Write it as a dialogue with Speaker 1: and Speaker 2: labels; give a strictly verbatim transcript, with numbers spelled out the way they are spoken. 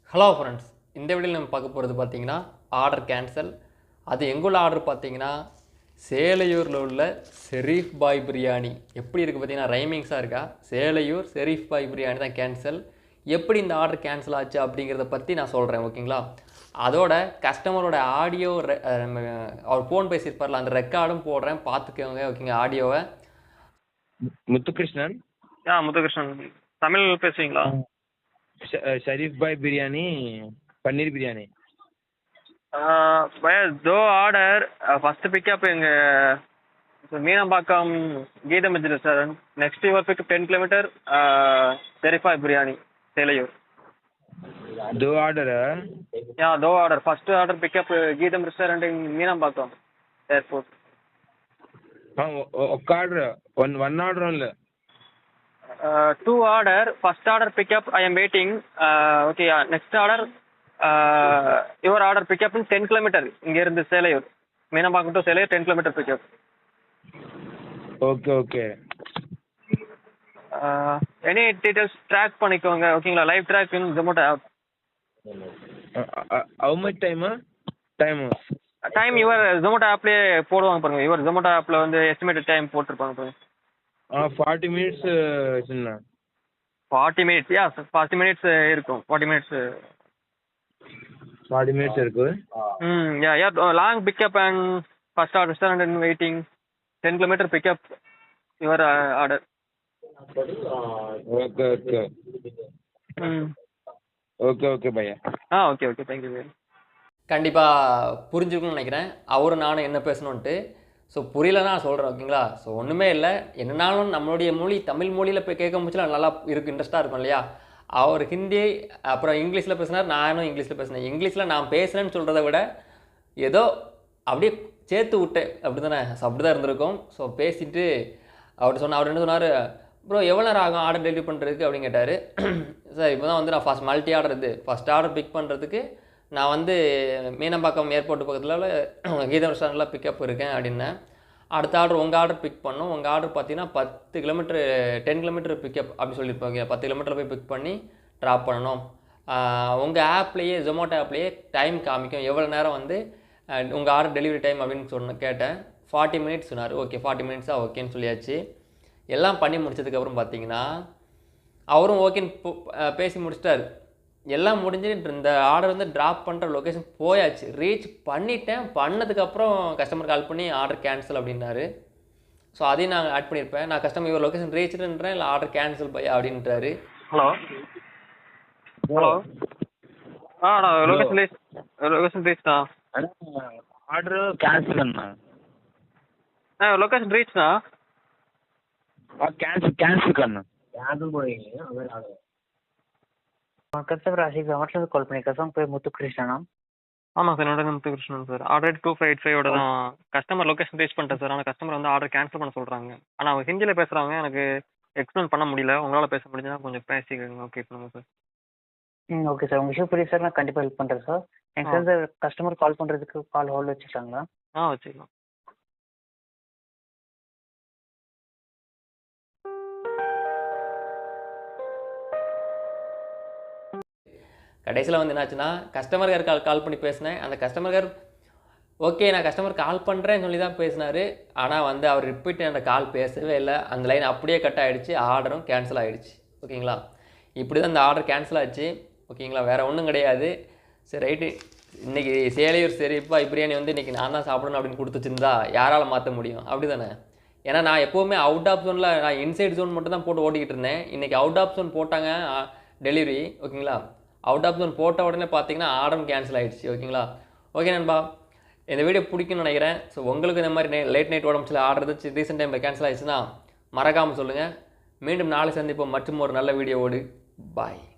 Speaker 1: Hello friends, இந்த வீடியோவில் நம்ம பார்க்க போகிறது பார்த்தீங்கன்னா ஆர்டர் கேன்சல். அது எங்குள்ள ஆர்டர் பார்த்தீங்கன்னா சேலையூரில் உள்ள ஷெரீஃப் பாய் பிரியாணி. எப்படி இருக்குது பார்த்தீங்கன்னா ரைமிங்ஸாக இருக்கா. சேலையூர் ஷெரீஃப் பாய் பிரியாணி தான் கேன்சல். எப்படி இந்த ஆர்டர் கேன்சல் ஆச்சு அப்படிங்கிறத பற்றி நான் சொல்கிறேன், ஓகேங்களா. அதோட கஸ்டமரோட ஆடியோ அவர் ஃபோன் பேசியிருப்பார்ல, அந்த ரெக்கார்டும் போடுறேன், பார்த்துக்கோங்க, ஓகேங்க. ஆடியோவை
Speaker 2: முத்துகிருஷ்ணன்.
Speaker 3: ஆ முத்துகிருஷ்ணன் தமிழ் பேசுவீங்களா?
Speaker 2: ஷெரீஃப் பாய் பிரியாணி, பன்னீர் பிரியாணி.
Speaker 3: பையா தோ ஆர்டர் ஃபர்ஸ்ட் பிக்கப் எங்கள் மீனம்பாக்கம் கீத மஜ்ஜி restaurant. Next your pickup ten kilometre Sharif Bhai biryani Selaiyur.
Speaker 2: दो ऑर्डर है?
Speaker 3: या दो order. First order pickup Geetham restaurant in Meenambakkam airport.
Speaker 2: हाँ, ఒక order, one one order only.
Speaker 3: Two order. First order pickup I am waiting. Okay, next order your order pickup in ten kilometre இங்கிருந்து Selaiyur. Meenambakkam to Selaiyur ten kilometre pickup.
Speaker 2: Okay okay.
Speaker 3: Any details track பண்ணிக்கோங்க, ஓகேங்களா. Live track in Zomato app.
Speaker 2: How much time? Time
Speaker 3: time your Zomato ஆப்லேயே போடுவாங்க பாருங்க. Your Zomato ஆப்பில் வந்து estimated time போட்டிருப்பாங்க பாருங்க.
Speaker 2: ஆ ஃபார்ட்டி மினிட்ஸ் சின்ன.
Speaker 3: Forty minutes yeah forty minutes இருக்கும். ஃபார்ட்டி மினிட்ஸ்
Speaker 2: ஃபார்ட்டி மினிட்ஸ் இருக்கு.
Speaker 3: Hmm yeah yeah long pickup and first order restaurant in waiting ten kilometre pickup your order.
Speaker 2: Okay okay.
Speaker 3: Hmm
Speaker 2: okay okay bhaiya.
Speaker 3: Ah okay okay thank you very.
Speaker 1: கண்டிப்பாக புரிஞ்சுக்கணும்னு நினைக்கிறேன், அவரும் நானும் என்ன பேசணுன்ட்டு. So புரியலன்னா நான் சொல்கிறேன், ஓகேங்களா. ஸோ ஒன்றுமே இல்லை, என்னன்னாலும் நம்மளுடைய மொழி தமிழ் மொழியில் போய் கேட்க முடிச்சுல நல்லா இருக்குது, இன்ட்ரெஸ்ட்டாக இருக்கும் இல்லையா. அவர் ஹிந்தி அப்புறம் இங்கிலீஷில் பேசினார், நானும் இங்கிலீஷில் பேசினேன். இங்கிலீஷில் நான் பேசுகிறேன்னு சொல்கிறத விட ஏதோ அப்படியே சேர்த்து விட்டேன், அப்படி தானே. ஸோ அப்படி தான் இருந்திருக்கும். ஸோ பேசிவிட்டு அவர் சொன்ன அவர் என்ன சொன்னார், ப்ரோ எவ்வளோ நேரம் ஆகும் ஆர்டர் டெலிவரி பண்ணுறதுக்கு அப்படின்னு கேட்டார். சார் இப்போ தான் வந்து நான் ஃபஸ்ட் மல்டி ஆர்டர் இது ஃபஸ்ட் ஆர்டர் பிக் பண்ணுறதுக்கு நான் வந்து மீனம்பாக்கம் ஏர்போர்ட் பக்கத்தில் கீதம் ரெஸ்டாரண்ட்டில் பிக்கப் இருக்கேன் அப்படின்னேன். அடுத்த ஆர்டர் உங்கள் ஆர்டர் பிக் பண்ணோம். உங்கள் ஆர்டர் பார்த்தீங்கன்னா பத்து கிலோமீட்டர் டென் கிலோமீட்டர் பிக்கப் அப்படி சொல்லியிருப்பாங்க. பத்து கிலோமீட்டர் போய் பிக் பண்ணி ட்ராப் பண்ணணும். உங்கள் ஆப்லேயே ஜொமேட்டோ ஆப்லேயே டைம் காமிக்கும் எவ்வளோ நேரம் வந்து உங்கள் ஆர்டர் டெலிவரி டைம் அப்படின்னு சொன்ன கேட்டேன். ஃபார்ட்டி மினிட்ஸ் சொன்னார். ஓகே ஃபார்ட்டி மினிட்ஸாக ஓகேன்னு சொல்லியாச்சு. எல்லாம் பண்ணி முடிச்சதுக்கப்புறம் பார்த்தீங்கன்னா அவரும் ஓகேன்னு பேசி முடிச்சிட்டார். எல்லாம் முடிஞ்சுட்டு இந்த ஆர்டர் வந்து ட்ராப் பண்ணுற லொக்கேஷன் போயாச்சு. ரீச் பண்ணிட்டேன். பண்ணதுக்கப்புறம் கஸ்டமர் கால் பண்ணி ஆர்டர் கேன்சல் அப்படின்னாரு. ஸோ அதையும் நான் ஆட் பண்ணியிருப்பேன். நான் கஸ்டமர் இவர் லொக்கேஷன் ரீச்சுன்றேன், இல்லை ஆர்டர் கேன்சல் பை அப்படின்றாரு.
Speaker 3: ஹலோ ஹலோ ஆ நான் லொகேஷன் ரீச் லொகேஷன் ரீச்ண்ணா.
Speaker 2: ஆர்டர் கேன்சல் அண்ணா.
Speaker 3: ஆ லொகேஷன் ரீச்ண்ணா.
Speaker 2: कैंसिल कैंसिल करना कैंसिल போடுவீங்க அதே ஆர்டர்.
Speaker 4: கஸ்டமர் ஆஷிக் ஜொமேட்டோ கால் பண்ணியிருக்கேன் சார். பேர் முத்துகிருஷ்ணனா?
Speaker 3: ஆமாம் சார், என்னோட Muthukrishnan sir. Already two five eight ஃபைவோட தான் கஸ்டமர் லொக்கேஷன் ரீச் பண்ணிட்டேன் சார். ஆனால் கஸ்டமர் வந்து ஆர்டர் கேன்சல் பண்ண சொல்கிறாங்க. ஆனால் அவங்க ஹிந்தியில் பேசுகிறாங்க, எனக்கு எக்ஸ்பிளைன் பண்ண முடியல. உங்களால் பேச முடிஞ்சுன்னா கொஞ்சம் பேசிக்கோங்க, ஓகே பண்ணுங்க சார்.
Speaker 4: ம் ஓகே சார், உங்கள் இஷ்யூ புரியுது சார். நான் கண்டிப்பாக ஹெல்ப் பண்ணுறேன் சார். எனக்கு சார் கஸ்டமர் கால் பண்ணுறதுக்கு கால் ஹோல்ட் வச்சுட்டாங்களா?
Speaker 3: ஆ வச்சுக்கலாம்.
Speaker 1: கடைசியில் வந்து என்னாச்சுன்னா கஸ்டமர் கேர் கால் கால் பண்ணி பேசினேன். அந்த கஸ்டமர் கேர் ஓகே நான் கஸ்டமர் கால் பண்ணுறேன்னு சொல்லி தான் பேசினார். ஆனால் வந்து அவர் ரிப்பீட் அந்த கால் பேசவே இல்லை. அந்த லைன் அப்படியே கட் ஆகிடுச்சு. ஆர்டரும் கேன்சல் ஆகிடுச்சு, ஓகேங்களா. இப்படி தான் இந்த ஆர்டர் கேன்சல் ஆச்சு, ஓகேங்களா. வேறு ஒன்றும் கிடையாது. சரி ரைட்டு, இன்றைக்கி சேலையூர் ஷெரீஃப் பாய் பிரியாணி வந்து இன்றைக்கி நான் தான் சாப்பிடணும் அப்படின்னு கொடுத்து வச்சுருந்தா யாரால் மாற்ற முடியும், அப்படி தானே. ஏன்னா நான் எப்போவுமே அவுட் ஆஃப் ஜோனில் நான் இன்சைட் ஜோன் மட்டும் தான் போட்டு ஓட்டிக்கிட்டு இருந்தேன். இன்றைக்கி அவுட் ஆஃப் ஜோன் போட்டாங்க டெலிவரி, ஓகேங்களா. அவுட் ஆஃப் ஜோன் போட்ட உடனே பார்த்தீங்கன்னா ஆர்டரும் கேன்சல் ஆகிடுச்சு, ஓகேங்களா. ஓகே நண்பா, இந்த வீடியோ பிடிக்கும்னு நினைக்கிறேன். ஸோ உங்களுக்கு இந்த மாதிரி லேட் நைட் உடம்புல ஆர்டர் இருந்துச்சு ரீசெண்ட் டைமில் கேன்சல் ஆகிடுச்சுன்னா மறக்காமல் சொல்லுங்கள். மீண்டும் நாளை சந்திப்போம் மற்றும் ஒரு நல்ல வீடியோவோடு. பாய்.